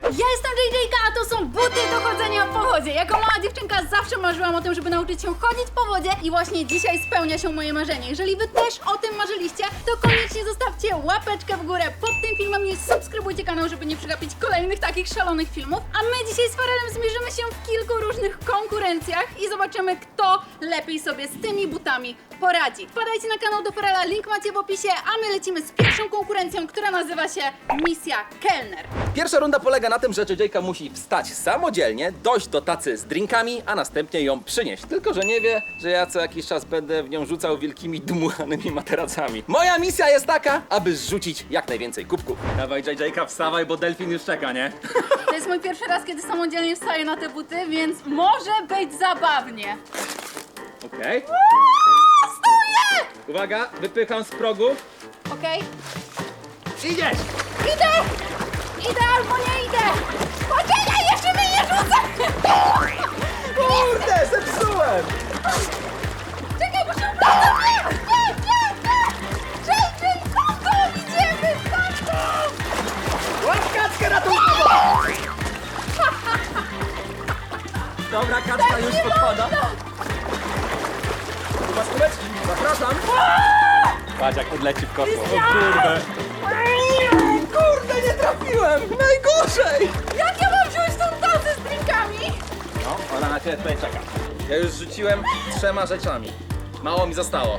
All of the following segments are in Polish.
Ja jestem JJ-ka, a to są buty do chodzenia po wodzie. Jako mała dziewczynka zawsze marzyłam o tym, żeby nauczyć się chodzić po wodzie i właśnie dzisiaj spełnia się moje marzenie. Jeżeli wy też o tym marzyliście, to koniecznie zostawcie łapeczkę w górę pod tym filmem i subskrybujcie kanał, żeby nie przegapić kolejnych takich szalonych filmów. A my dzisiaj z Farelem zmierzymy się w kilku różnych konkurencjach i zobaczymy, kto lepiej sobie z tymi butami poradzi. Wpadajcie na kanał do Farela, link macie w opisie, a my lecimy z pierwszą konkurencją, która nazywa się Misja Kelner. Pierwsza runda polega na tym, że JJ-ka musi wstać samodzielnie, dojść do tacy z drinkami, a następnie ją przynieść. Tylko że nie wie, że ja co jakiś czas będę w nią rzucał wielkimi dmuchanymi materacami. Moja misja jest taka, aby zrzucić jak najwięcej kubków. Dawaj JJ-ka, wstawaj, bo delfin już czeka, nie? To jest mój pierwszy raz, kiedy samodzielnie wstaję na te buty, więc może być zabawnie. Okej. Stoję! Uwaga, wypycham z progu. Okej. Idziesz! Idę! Idę albo nie idę! Poczekaj, jeszcze mnie nie rzucę! Kurde, zepsułem! Czekaj, muszę wracać! Nie! JJ, stamtąd idziemy! Stamtąd! Łap kaczkę ratunkowo! Dobra, kaczka już podpada. Chyba skóreczki, zapraszam. Patrz jak odleci w kosmos. O kurde. Kurde, nie trafiłem! Najgorzej! Jak ja mam wziąć tą tacę z drinkami? No, ona na ciebie tutaj czeka. Ja już rzuciłem 3 rzeczami. Mało mi zostało.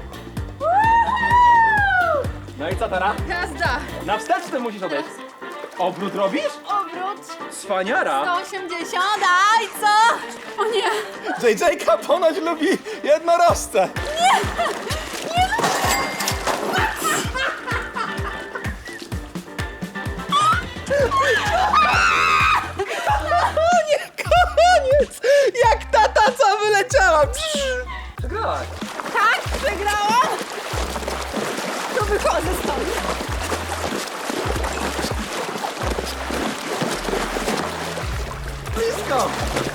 No i co teraz? Jazda! Na wsteczny musisz odejść. Obrót robisz? Obrót! Cwaniara! 180, aj co? O nie! JJ-ka ponoć lubi jednorożce. O nie, koniec! Jak ta taca wyleciała! Przegrałaś. Tak, przegrałam! To wychodzę stąd. Blisko!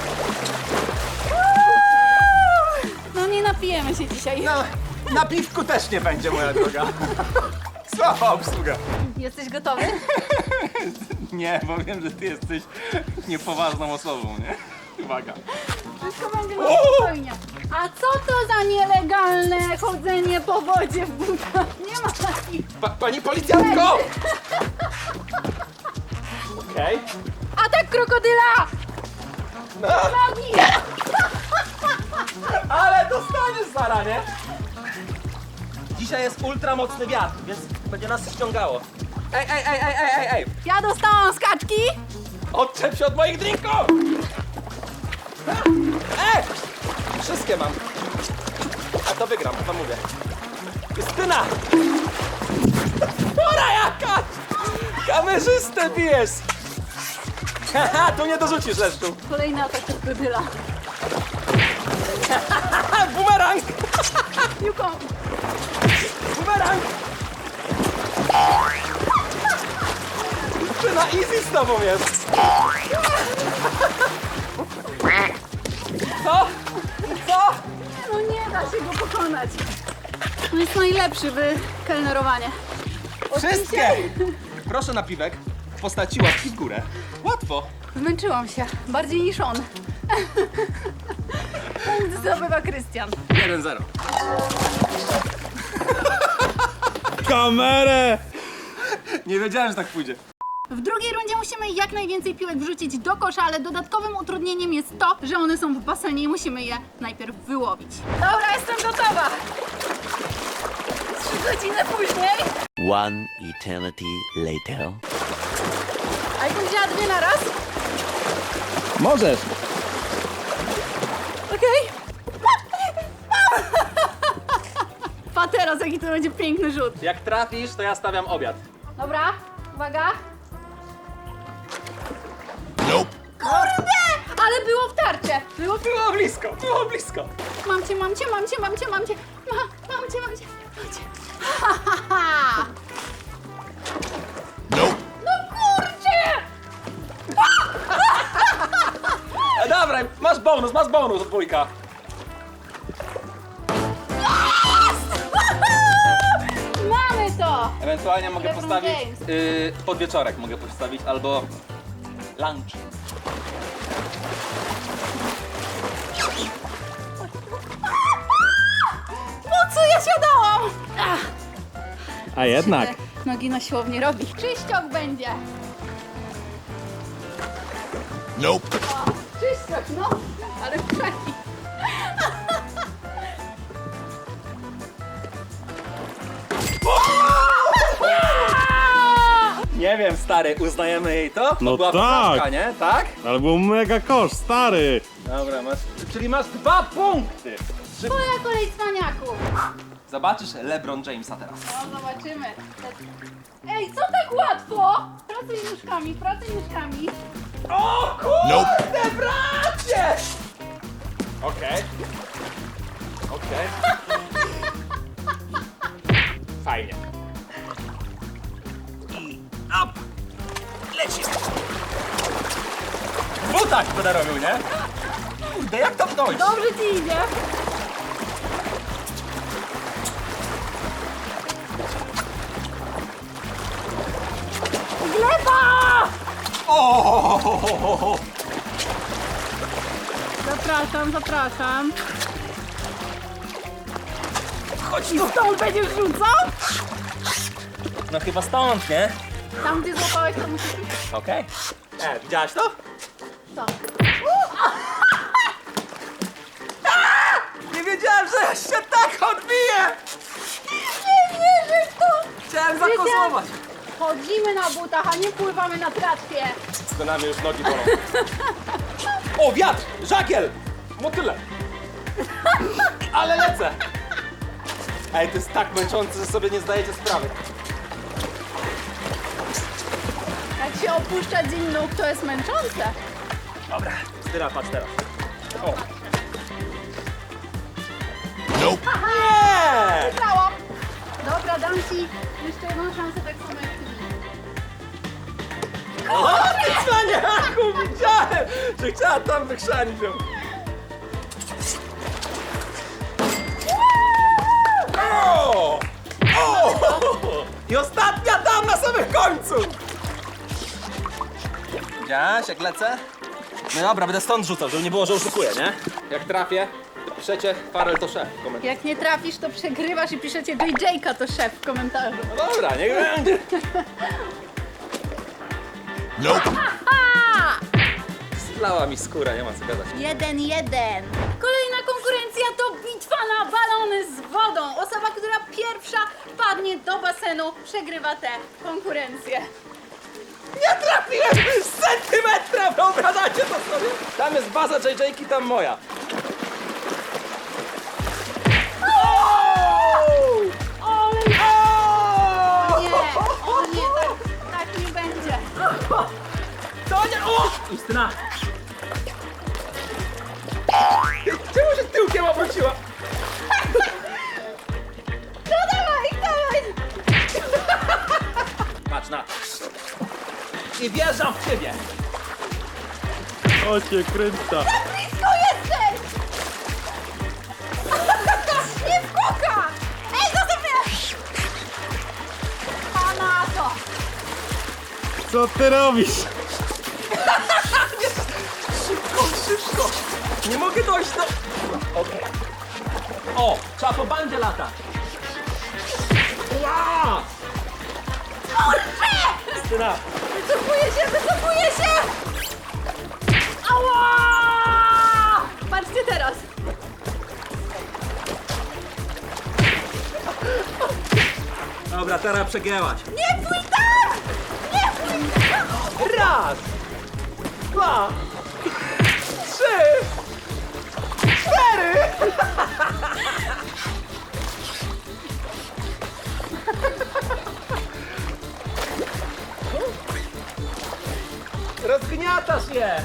No nie napijemy się dzisiaj. No, na piwku też nie będzie, moja droga. Słaba obsługa. Jesteś gotowy? Nie, bo wiem, że ty jesteś niepoważną osobą, nie? Uwaga. Wszystko będzie na spokojnie. A co to za nielegalne chodzenie po wodzie w butach? Nie ma takich. Pani policjantko! Okej. Atak krokodyla! No, Nogi! ale dostaniesz Sara, nie? Dzisiaj jest ultramocny wiatr, więc będzie nas ściągało. Ej! Ja dostałam skaczki. Odczep się od moich drinków! Wszystkie mam. A to wygram, to mówię. Justyna! Pora jakaś! Kamerzystę bijesz! Haha, tu nie dorzucisz leszczu. Kolejny atak krokodyla. Bumerang! Juką. Bumerang! Justyna, easy z tobą jest! Co? Co? No nie da się go pokonać. On jest najlepszy w kelnerowaniu. Wszystkie! Proszę napiwek w postaci łapki w górę. Łatwo. Zmęczyłam się. Bardziej niż on. Punkt zdobywa Krystian. 1-0. Kamerę! Nie wiedziałem, że tak pójdzie. W drugiej rundzie musimy jak najwięcej piłek wrzucić do kosza, ale dodatkowym utrudnieniem jest to, że one są w basenie i musimy je najpierw wyłowić. Dobra, jestem gotowa! 3 godziny później. One eternity later. A jakbym wzięła 2 na raz? Możesz. Okej. Pa teraz, jaki to będzie piękny rzut. Jak trafisz, to ja stawiam obiad. Dobra, uwaga. Kurde! Ale było w tarczę. Było w... Było blisko, było blisko. Mam cię. Mam cię. Ha, ha, ha. No kurczę! Dobra, masz bonus od wujka. Mamy to! Ewentualnie mogę LeBron postawić James. podwieczorek mogę postawić, albo lunch. Po co ja siadałam? Ach, A jednak. nogi na siłowni robi. Czyściok będzie. Nope. O, czyściok, no. Ale wczoraj. Nie wiem, stary, uznajemy jej to? No to była tak. porażka, nie? Tak? Ale był mega kosz, stary. Dobra, czyli masz 2 punkty. Twoja kolej cwaniaków. Zobaczysz LeBron Jamesa teraz. No, zobaczymy. Ej, co tak łatwo? Pracuj nóżkami, pracuj nóżkami. O kurde, bracie! Okej. Okej. Fajnie. I up! Leci! W butach będę robił, nie? Kurde, jak tam dojść? Dobrze ci idzie. Gleba! O! Zapraszam, zapraszam. Chodź I tu! stąd będziesz rzucał? No chyba stąd, nie? Tam gdzie złapałeś, to musisz iść. Okej. Widziałaś to? To. Nie wiedziałem, że się tak odbije! Nie wierzę w to! Chciałem zakozować. Chodzimy na butach, a nie pływamy na tratwie. To mnie już nogi bolą. O, wiatr! Żagiel! Motyle! Ale lecę! Ej, to jest tak męczące, że sobie nie zdajecie sprawy. Jak się opuszcza dzień nóg, to jest męczące. Dobra, styra, patrz teraz. O! Nope. Nie! Wygrałam. Dobra, dam ci jeszcze jedną szansę, tak samo jak ty. O, ty cwaniaku! Widziałem, że chciała tam wykrzanić ją. O! O! I ostatnia tam na samym końcu! Widziałaś, jak lecę? No dobra, będę stąd rzucał, żeby nie było, że oszukuję, nie? Jak trafię, to piszecie Farel to szef w komentarzu. Jak nie trafisz, to przegrywasz i piszecie JJ-ka to szef w komentarzu. No dobra, niech będzie. Nope. Zlała mi skóra, nie ma co gadać. 1-1. Kolejna konkurencja to bitwa na balony z wodą. Osoba, która pierwsza wpadnie do basenu, przegrywa tę konkurencję. Nie trafiłem z centymetra, wyobrażacie to sobie? Tam jest baza JJ-ki, tam moja. Ale O! nie, o nie, tak nie będzie. To nie... O! Justyna! Czemu się tyłkiem obróciła? No dawaj, dawaj. Patrz na to. I wjeżdżam w ciebie. O cię kręca. Blisko jesteś! Nie wkuka! Ej, zostaw mnie! A na to! Co ty robisz? Szybko, szybko. Nie mogę dojść do... Okej. O, trzeba po bandzie latać. Ła! Kurczę! Justyna. Wycofuję się, wycofuję się! Ała! Patrzcie teraz. Dobra, teraz przegięłaś. Nie pójdź tak! Nie pójdź tak! Raz, 2, 3, 4. Rozgniatasz je.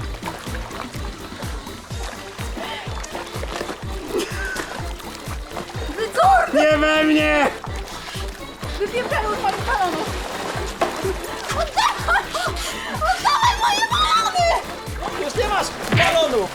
Wycór! Nie we mnie! Wypieprzaj od moich balonów! Oddawaj! Oddawaj moje balony! Już nie masz balonów.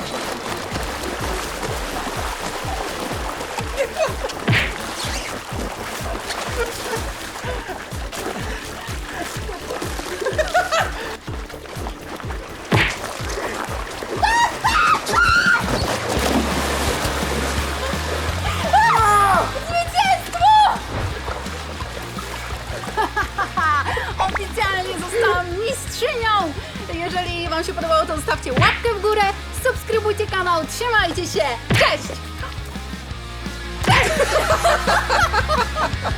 Jeżeli wam się podobało, to zostawcie łapkę w górę, subskrybujcie kanał, trzymajcie się, cześć!